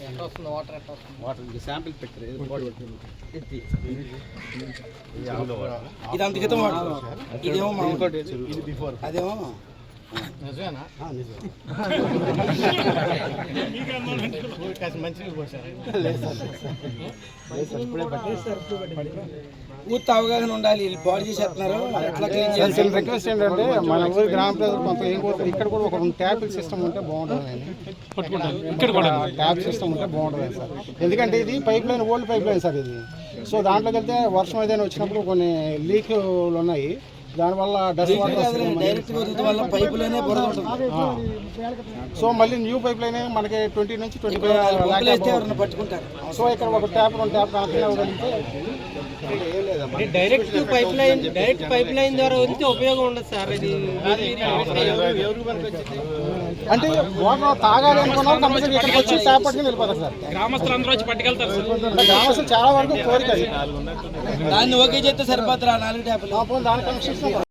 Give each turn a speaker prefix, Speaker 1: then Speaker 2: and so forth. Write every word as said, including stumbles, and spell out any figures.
Speaker 1: Water sample పెట్టారు
Speaker 2: ఇది అంత క్రితం వాటర్, ఇదేమో అదేమో పూర్తి అవగాహన ఉండాలి. పాడు చేసేస్తున్నారు.
Speaker 1: రిక్వెస్ట్ ఏంటంటే మన ఊరి గ్రామ ప్రజలు కొంత ఏం కోరుతారు, ఇక్కడ కూడా ఒక ట్యాపింగ్ సిస్టమ్ ఉంటే బాగుంటుంది. ఇక్కడ కూడా ట్యాప్ సిస్టమ్ ఉంటే బాగుంటుంది సార్. ఎందుకంటే ఇది pipeline, old pipeline sir ఇది. సో దాంట్లోకి వెళ్తే వర్షం ఏదైనా వచ్చినప్పుడు కొన్ని లీక్లు ఉన్నాయి, దానివల్ల డస్ట్ వాటర్ సో మళ్ళీ న్యూ పైప్ లైన్ మనకి ట్వంటీ నుంచి ట్వంటీ ఫైవ్
Speaker 2: పట్టుకుంటారు.
Speaker 1: సో ఇక్కడ ఒక ట్యాప్ రెండు tap connect
Speaker 3: direct pipeline direct pipeline ద్వారా వెళ్తే ఉపయోగం ఉండదు సార్. ఇది
Speaker 1: అంటే వాటర్ తాగాలి అనుకున్నాం కంపల్సరీ ఇక్కడికి వచ్చి ట్యాప్ పట్టుకుని వెళ్ళిపోతారు సార్.
Speaker 3: గ్రామస్తులందరూ వచ్చి పట్టుకెళ్తారు సార్.
Speaker 1: గ్రామస్తులు చాలా వరకు కోరిక
Speaker 2: దాన్ని ఓకే చేస్తే సరిపోతారా నాలుగు ట్యాప్లు
Speaker 1: దాని కనెక్షన్